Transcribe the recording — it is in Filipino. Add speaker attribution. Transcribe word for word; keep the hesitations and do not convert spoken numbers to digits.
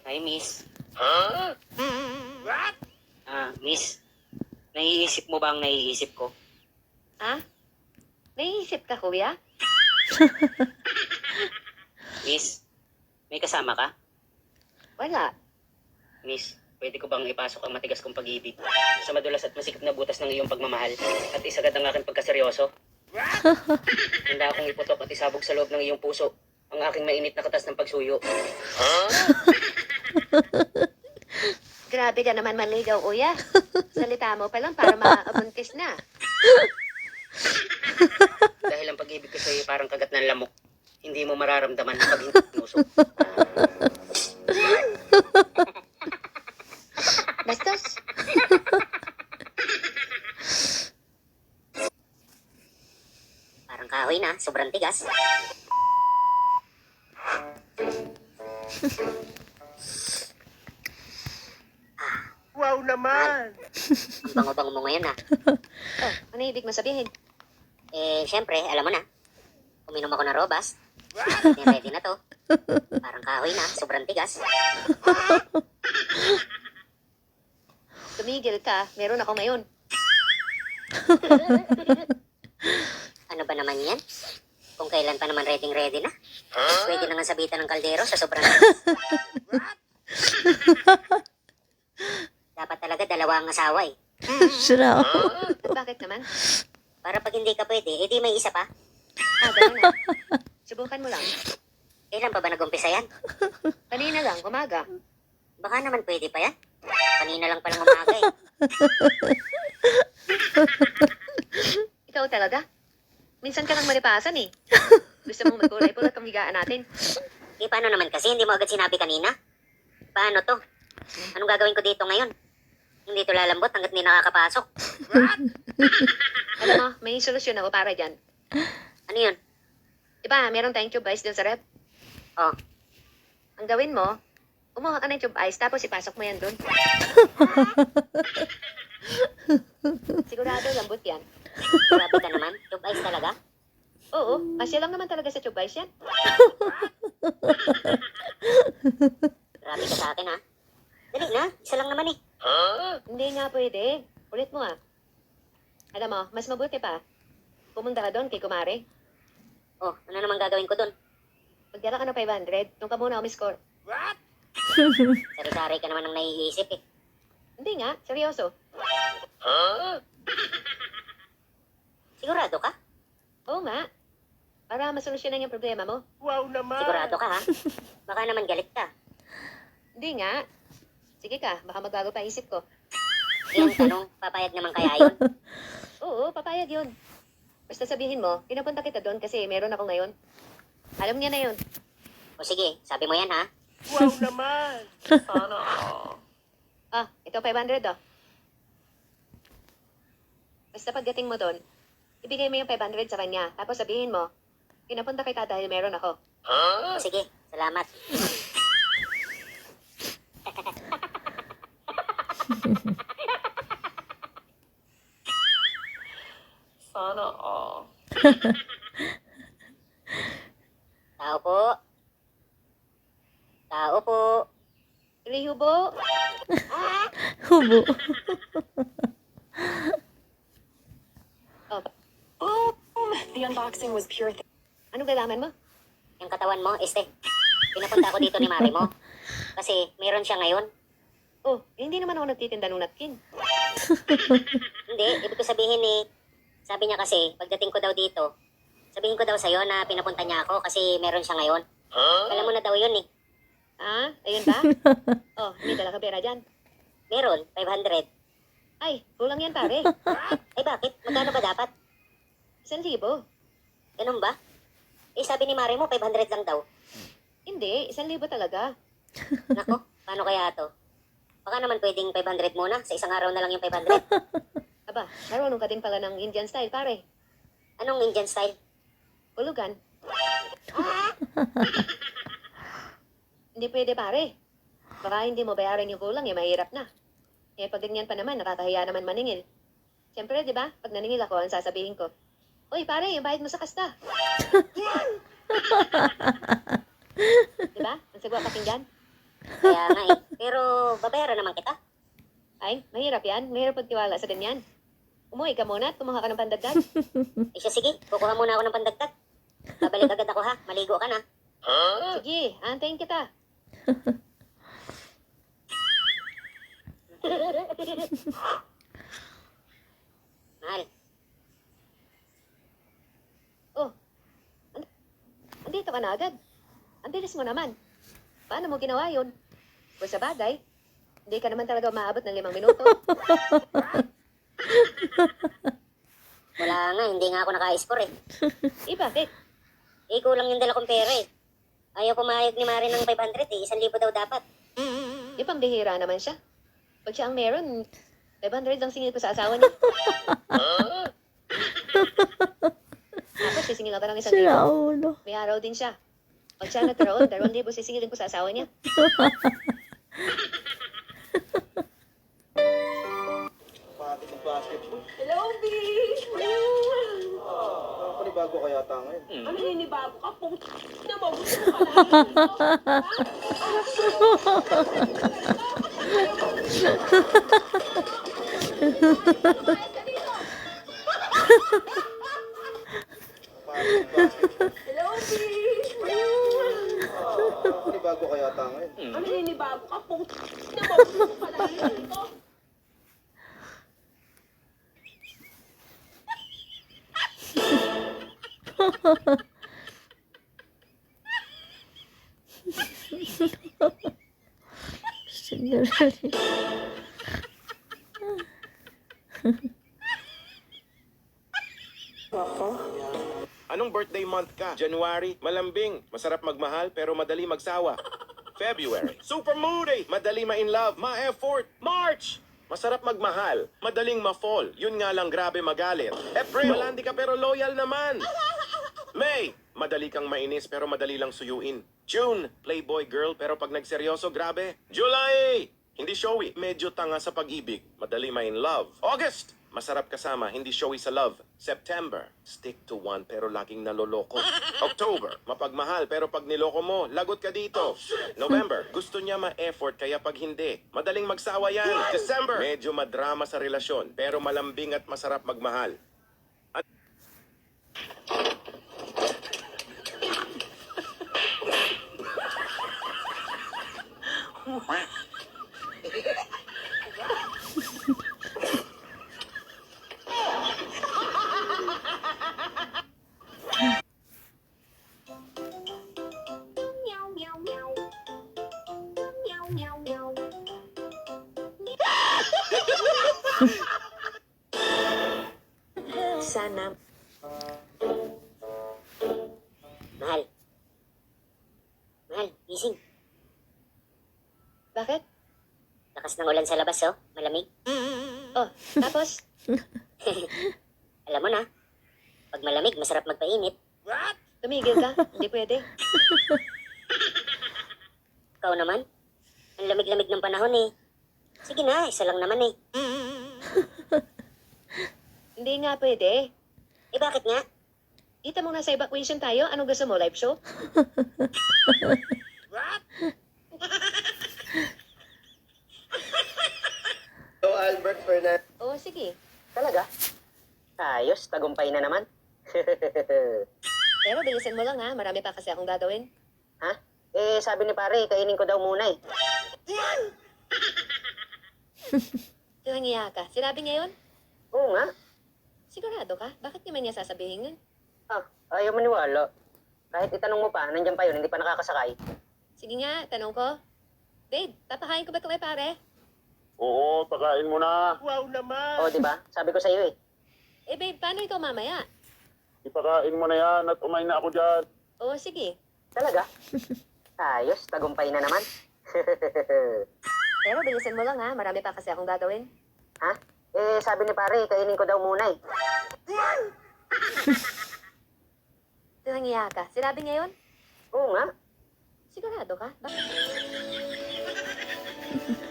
Speaker 1: Hi, miss.
Speaker 2: Huh? What?
Speaker 1: Ah, miss. Naiisip mo ba ang naiisip ko?
Speaker 3: Ha? Naiisip ka, kuya?
Speaker 1: Miss, may kasama ka?
Speaker 3: Wala.
Speaker 1: Miss, pwede ko bang ipasok ang matigas kong pag-ibig sa madulas at masikip na butas ng iyong pagmamahal at isagad ang aking pagkaseryoso? Handa akong iputok at isabog sa loob ng iyong puso ang aking mainit na katas ng pagsuyo.
Speaker 2: Huh?
Speaker 3: Grabe ka naman manligaw, kuya. Salita mo pa lang para maabuntis na.
Speaker 1: Dahil ang pag-ibig ko sa'yo ay parang kagat ng lamok. Hindi mo mararamdaman pag hindi tinusok.
Speaker 3: Bastos.
Speaker 1: Parang kahoy na, sobrang tigas.
Speaker 2: Wow naman!
Speaker 1: Ang bango-bango mo ngayon ah.
Speaker 3: Oh, ano ibig mo sabihin?
Speaker 1: Eh, syempre, alam mo na. Uminom ako ng robas. Ready, ready na to. Parang kahoy na, sobrang tigas.
Speaker 3: Tumigil ka. Meron ako ngayon.
Speaker 1: Ano ba naman yan? Kung kailan pa naman ready ready na. Pwede na nga sabitan ng kaldero sa sobrang tigas. Dapat talaga dalawa ang asawa eh.
Speaker 4: Sira.
Speaker 3: Bakit naman?
Speaker 1: Para pag hindi ka pwede, edi may isa pa.
Speaker 3: Ah, ganun na. Subukan mo lang.
Speaker 1: Kailan pa ba nag-umpisa yan?
Speaker 3: Kanina lang, umaga.
Speaker 1: Baka naman pwede pa yan. Kanina lang palang umaga eh.
Speaker 3: Ikaw talaga? Minsan ka lang malipasan eh. Gusto mong magkulay pulot ang higaan natin.
Speaker 1: Eh paano naman kasi, hindi mo agad sinabi kanina? Paano to? Anong gagawin ko dito ngayon? Hindi to lalambot hanggat hindi nakakapasok.
Speaker 3: Alam mo, may solusyon ako para dyan.
Speaker 1: Ano yun?
Speaker 3: Diba, meron tayong tube ice dun sa rep.
Speaker 1: Oh,
Speaker 3: Ang gawin mo, umuha ka ng tube ice, tapos ipasok mo yan dun. Sigurado, lambot yan.
Speaker 1: grabe ka naman. Tube ice talaga?
Speaker 3: Oo, kasya lang naman talaga sa tube ice yan.
Speaker 1: Grabe ka sa akin ha. Dali na, isa lang naman eh.
Speaker 2: Huh?
Speaker 3: Hindi nga pwede. Ulit mo nga. Alam mo, mas mabuti pa. Pumunta ka doon kay Kumare.
Speaker 1: Oh, ano naman gagawin ko dun?
Speaker 3: Magdala ka ng five hundred, doon ka muna umiscore.
Speaker 2: What?
Speaker 1: Sari-sari ka naman ang naiisip eh.
Speaker 3: Hindi nga, seryoso.
Speaker 2: Huh?
Speaker 1: Sigurado ka?
Speaker 3: Oo nga. Para masolusyonan yung problema mo.
Speaker 2: Wow naman!
Speaker 1: Sigurado ka ha? Baka naman galit ka.
Speaker 3: Hindi nga. Sige ka, baka magbago pa isip ko.
Speaker 1: Yung tanong, papayag naman kaya yun?
Speaker 3: Oo, papayag yun. Basta sabihin mo, pinapunta kita doon kasi meron ako ngayon. Alam niya na yun.
Speaker 1: O sige, sabi mo yan ha?
Speaker 2: Wow naman! Sana
Speaker 3: Ah, ito five hundred oh. Basta pagdating mo doon, ibigay mo yung five hundred sa kanya. Tapos sabihin mo, pinapunta kita dahil meron ako.
Speaker 2: Huh?
Speaker 1: O sige, salamat.
Speaker 2: Sana all.
Speaker 1: Tao po. Tao po.
Speaker 3: Rihubo,
Speaker 4: Hubo.
Speaker 3: oh,
Speaker 5: Boom! The unboxing was pure. Th-
Speaker 3: anong galaman mo?
Speaker 1: Yung katawan mo, este. Pinapunta ako dito ni Mari mo. Kasi meron siya ngayon.
Speaker 3: Oh, hindi naman ako nagtitinda ng napkin.
Speaker 1: Hindi, ibig ko sabihin eh, sabi niya kasi, pagdating ko daw dito, sabihin ko daw sa'yo na pinapunta niya ako kasi meron siya ngayon.
Speaker 2: Huh?
Speaker 1: Alam mo na daw yun eh.
Speaker 3: Ah, ayun ba? Oh, may dala ka pera dyan.
Speaker 1: Meron, five hundred.
Speaker 3: Ay, kulang yan pare.
Speaker 1: Ay bakit? Magkano ba dapat?
Speaker 3: Isang libo.
Speaker 1: Ganun ba? Eh sabi ni Mari mo, five hundred lang daw.
Speaker 3: Hindi, isang libo talaga.
Speaker 1: Nako, paano kaya to? Baka naman pwedeng five hundred muna, sa isang araw na lang yung five hundred.
Speaker 3: Aba, marunong ka din pala ng Indian style pare.
Speaker 1: Anong Indian style?
Speaker 3: Hulugan. Hindi pwede pare. Baka hindi mo bayaran yung kulang, eh, mahirap na. Eh, pag ganyan pa naman, nakakahiya naman maningil. Siyempre, di ba? Pag naningil ako, ang sasabihin ko, Uy, pare, yung bayad mo sa kasta. Di ba? Ang sagwa pakinggan.
Speaker 6: Kaya nga eh. Pero babayaran naman kita.
Speaker 3: Ay, mahirap yan. Mahirap pagtiwala sa ganyan. Umuwi ka muna at kumuha ka ng pandagdag.
Speaker 6: Eh siya, sige, kukuha muna ako ng pandagdag. Babalik agad ako ha. Maligo ka na.
Speaker 3: Sige, antayin kita.
Speaker 6: Mahal.
Speaker 3: Oh, and- andito ka na agad. Ang bilis mo naman. Paano mo ginawa yun? Kung sa bagay, hindi ka naman talaga maabot ng limang minuto.
Speaker 6: Wala nga, hindi nga ako naka-score eh.
Speaker 3: Eh, bakit?
Speaker 6: Eh, kulang yung dala kong pera eh. Ayaw pumayag ni Mari ng five hundred eh. Isang libo daw dapat.
Speaker 3: Di pambihira naman siya. Pag siya ang meron, five hundred lang singil ko sa asawa niya. Tapos sisingil ako ng isang
Speaker 4: Sira
Speaker 3: libo.
Speaker 4: ulo.
Speaker 3: May araw din siya. Pag siya nagkaroon, dalawang libo sisingilin ko sa asawa niya.
Speaker 7: Pati sa basketball.
Speaker 2: Hello, B!
Speaker 7: Ah, panibago ka yata ngayon.
Speaker 2: Ano ninibago ka? Pung na mo. Gusto mo pala.
Speaker 7: Pati sa basketball.
Speaker 2: Hello, B!
Speaker 7: Ah, panibago ka yata ngayon.
Speaker 2: Ano ninibago ka? Pung na mo. Gusto mo pala. Ito.
Speaker 4: Siguro.
Speaker 8: Anong birthday month ka? January, malambing, masarap magmahal pero madali magsawa. February, super moody, madali ma-in love, ma-effort. March, masarap magmahal, madaling ma-fall, yun nga lang grabe magalit. April, malandi ka pero loyal naman. May, madali kang mainis pero madali lang suyuin. June, playboy girl pero pag nagseryoso grabe. July, hindi showy, medyo tanga sa pag-ibig, madali ma-in love. August, masarap kasama, hindi showy sa love. September, stick to one pero laging naloloko. October, mapagmahal pero pag niloko mo, lagot ka dito. November, gusto niya ma-effort kaya pag hindi, madaling magsawa yan. December, medyo madrama sa relasyon pero malambing at masarap magmahal.
Speaker 6: Sana. Mahal. Mahal, gising.
Speaker 3: Bakit?
Speaker 6: Lakas ng ulan sa labas oh. Malamig.
Speaker 3: Oh, tapos?
Speaker 6: Alam mo na, pag malamig, masarap magpainit.
Speaker 3: Tumigil ka? Hindi pwede.
Speaker 6: Ikaw naman, ang lamig-lamig ng panahon eh. Sige na, isa lang naman eh.
Speaker 3: Hindi nga pwede.
Speaker 6: Eh bakit nga?
Speaker 3: Kita mo nasa evacuation tayo. Anong gusto mo? Live show?
Speaker 7: So, Albert Fernandez.
Speaker 3: Oo, sige.
Speaker 1: Talaga? Ayos, tagumpay na naman.
Speaker 3: Pero bilisan mo lang ha. Marami pa kasi akong gagawin.
Speaker 1: Ha? Eh, sabi ni pare, kainin ko daw muna eh.
Speaker 3: Tinangiya ka. Sinabi niya yun?
Speaker 1: Oo nga.
Speaker 3: Sigurado ka? Bakit naman niya sasabihin yun?
Speaker 1: Ah, ayaw maniwala. Kahit itanong mo pa, nandiyan pa yun, hindi pa nakakasakay.
Speaker 3: Sige nga, tanong ko. Babe, papakain ko ba ito kay pare?
Speaker 8: Oo, pakain mo na.
Speaker 2: Wow naman.
Speaker 1: Oo, di ba? Sabi ko sa iyo eh.
Speaker 3: Eh babe, paano ikaw mamaya?
Speaker 8: Ipakain mo na yan at umay na ako dyan.
Speaker 3: Oo, sige.
Speaker 1: Talaga? Ayos, tagumpay na naman.
Speaker 3: Pero bilisan mo lang ha. Marami pa kasi akong gagawin.
Speaker 1: Ha? Eh, sabi ni pare, kainin ko daw muna eh.
Speaker 3: Tinangiya ka. Sinabi niya yun?
Speaker 1: Oo nga.
Speaker 3: Sigurado ka? Bakit?